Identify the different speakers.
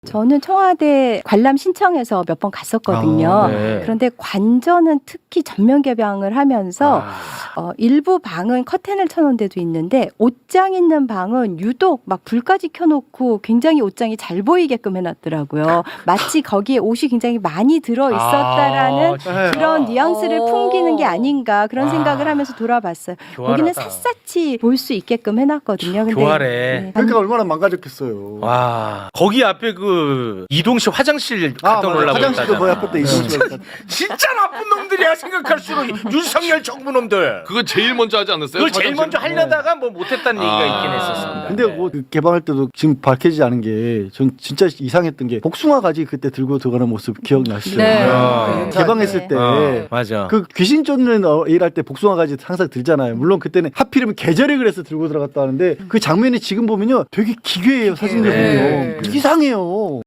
Speaker 1: 저는 청와대 관람 신청해서 몇 번 갔었거든요.
Speaker 2: 네.
Speaker 1: 그런데 관전은 특히 전면 개방을 하면서 일부 방은 커튼을 쳐놓은 데도 있는데 옷장 있는 방은 유독 막 불까지 켜놓고 굉장히 옷장이 잘 보이게끔 해놨더라고요. 마치 거기에 옷이 굉장히 많이 들어 있었다라는 그런 뉘앙스를 풍기는 게 아닌가 그런 생각을 하면서 돌아봤어요. 거기는 샅샅이 볼 수 있게끔 해놨거든요. 근데
Speaker 2: 교활해.
Speaker 1: 네.
Speaker 3: 그러니까 얼마나 망가졌겠어요.
Speaker 2: 와 거기 앞에 그 이동식 화장실 갔다 오려고
Speaker 3: 화장실도 거기 앞에 때 있으시고.
Speaker 2: 진짜 나쁜 놈들이야 생각할수록 윤석열 정부 놈들.
Speaker 4: 그거 제일 먼저 하지 않았어요?
Speaker 2: 그걸 제일 먼저
Speaker 4: 화장실?
Speaker 2: 하려다가 뭐 못했다는 얘기가 있긴 했었습니다.
Speaker 3: 근데 뭐 그 개방할 때도 지금 밝혀지지 않은 게 전 진짜 이상했던 게 복숭아 가지 그때 들고 들어가는 모습 기억나시죠?
Speaker 1: 네.
Speaker 3: 개방했을 때
Speaker 2: 맞아.
Speaker 3: 그 귀신 쫓는 일할 때 복숭아 가지 항상 들잖아요. 물론 그때는 하필이면 계절에 그래서 들고 들어갔다 하는데 그 장면이 지금 보면요 되게 기괴해요. 사진들 보면 이상해요.